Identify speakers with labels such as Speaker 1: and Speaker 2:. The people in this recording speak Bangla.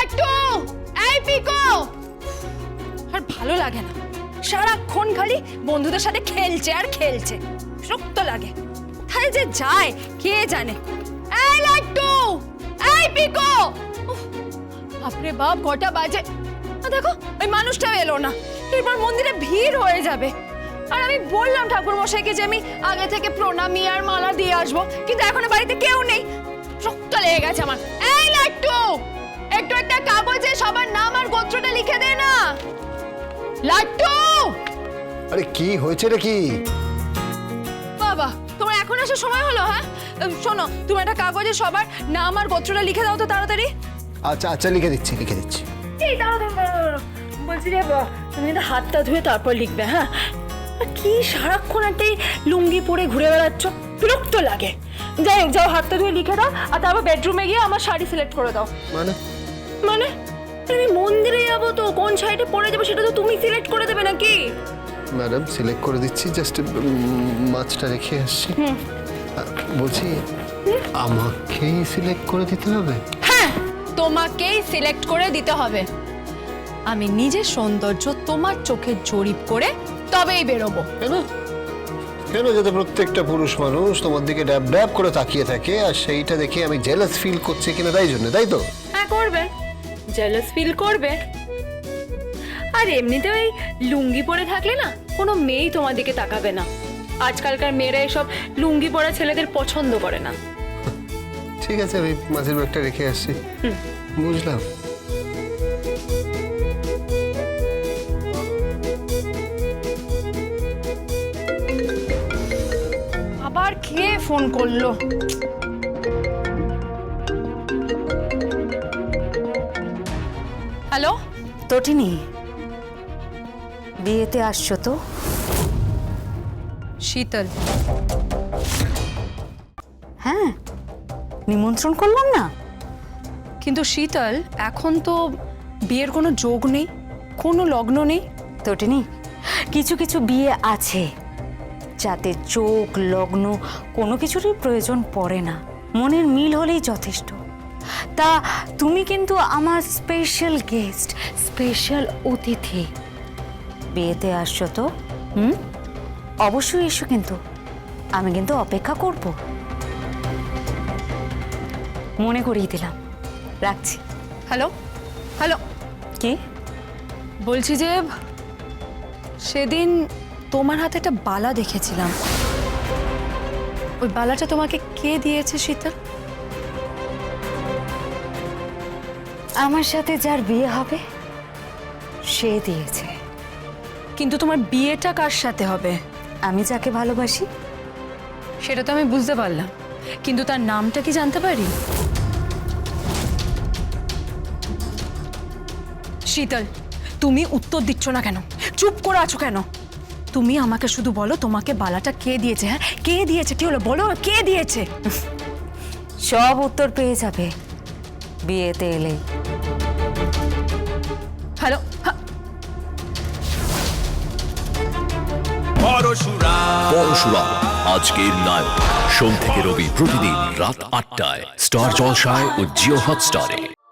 Speaker 1: লাট্টু, এই পিকো। আর ভালো লাগে না, সারাক্ষণ খালি বন্ধুদের সাথে খেলছে আর খেলছে, বিরক্ত লাগে। তাই যে যায় কে জানে। এই লাট্টু, এই পিকো। বাপরে বাপ, কটা বাজে। দেখো ওই মানুষটাও এলো না, এরপর মন্দিরে ভিড় হয়ে যাবে। আর আমি বললাম ঠাকুর মশাইকে যে আমি আগে থেকে প্রণামী আর মালা দিয়ে আসবো, কিন্তু এখনো বাড়িতে কেউ নেই। রক্ত লেগে গেছে আমার। এই লাট্টু, একটু একটা কাগজে সবার নাম আর গোত্রটা লিখে দে না। লাট্টু!
Speaker 2: আরে কি হয়েছে রে? কি
Speaker 1: বাবা, তোমার এখন আসার সময় হলো? হ্যাঁ শোনো, তুমি একটা কাগজে সবার নাম আর গোত্রটা লিখে দাও তো তাড়াতাড়ি।
Speaker 2: আচ্ছা আচ্ছা, লিখে দিচ্ছি লিখে দিচ্ছি।
Speaker 1: এই দাঁড়াও দাঁড়াও, বলছি যে তুমি কিন্তু হাতটা ধুয়ে তারপর লিখবে। হ্যাঁ, কি সারাক্ষণ একটা লুঙ্গি পরে ঘুরে বেড়াচ্ছ, বিরক্ত লাগে। যাই হোক, যাও হাতটা ধুয়ে লিখে দাও, আর তারপর বেডরুমে গিয়ে আমার শাড়ি সিলেক্ট করে দাও।
Speaker 2: মানে
Speaker 1: মানে আমি মন্দিরে যাবো, তো কোন শাড়িটা পরে যাবো সেটা তো তুমি সিলেক্ট করে দেবে নাকি?
Speaker 2: ম্যাডাম সিলেক্ট করে দিচ্ছি, জাস্ট মাছটা রেখে আসছি। বলছি আমাকেই সিলেক্ট করে দিতে হবে?
Speaker 1: হ্যাঁ, তোমাকেই সিলেক্ট করে দিতে হবে। আমি নিজের সৌন্দর্য তোমার চোখে জরিপ করে তবেই বেরোবো।
Speaker 2: কেন কেন যাতে প্রত্যেকটা পুরুষ মানুষ তোমার দিকে ড্যাব ড্যাব করে তাকিয়ে থাকে, আর সেইটা দেখে আমি জেলাস ফিল করছি কিনা, তাই জন্য, তাই তো?
Speaker 1: হ্যাঁ করবে, জেলাস ফিল করবে। আর এমনিতে ওই লুঙ্গি পরে থাকলে না কোনো মেয়েই তোমার দিকে তাকাবে না। আজকালকার মেয়েরা এসব লুঙ্গি পরা ছেলেদের পছন্দ করে না।
Speaker 2: ঠিক আছে, আমি মাছের ব্যাগটা রেখে আসছি। বুঝলাম।
Speaker 1: আবার কে ফোন করলো? হ্যালো
Speaker 3: তটিনী, বিয়েতে আসছো তো?
Speaker 1: শীতল।
Speaker 3: হ্যাঁ, নিমন্ত্রণ করলাম না?
Speaker 1: কিন্তু শীতল, এখন তো বিয়ের কোনো যোগ নেই, কোনো লগ্ন নেই।
Speaker 3: তটিনী, কিছু কিছু বিয়ে আছে যাতে চোখ লগ্ন কোনো কিছুরই প্রয়োজন পড়ে না, মনের মিল হলেই যথেষ্ট। তা তুমি কিন্তু আমার স্পেশাল গেস্ট, স্পেশাল অতিথি। বিয়েতে আসছো তো? অবশ্যই এসো, কিন্তু আমি কিন্তু অপেক্ষা করব। মনে করিয়ে দিলাম, রাখছি।
Speaker 1: হ্যালো হ্যালো,
Speaker 3: কি
Speaker 1: বলছি যে সেদিন তোমার হাতে একটা বালা দেখেছিলাম, ওই বালাটা তোমাকে কে দিয়েছে শীতল?
Speaker 3: আমার সাথে যার বিয়ে হবে সে দিয়েছে।
Speaker 1: কিন্তু তোমার বিয়েটা কার সাথে হবে?
Speaker 3: আমি যাকে ভালোবাসি।
Speaker 1: সেটা তো আমি বুঝতে পারলাম, কিন্তু তার নামটা কি জানতে পারি? শীতল, তুমি উত্তর দিচ্ছ না কেন? চুপ করে আছো কেন? তুমি আমাকে শুধু বলো তোমাকে বালাটা কে দিয়েছে। হ্যাঁ, কে দিয়েছে? কি হলো বলো, কে দিয়েছে?
Speaker 3: সব উত্তর পেয়ে যাবে বিয়েতে এলে।
Speaker 1: হ্যালো,
Speaker 4: পরশুরাম আজকের নায়ক, সোম থেকে রবি প্রতিদিন রাত ৮টায় স্টার জলসায় ও জিও হটস্টারে।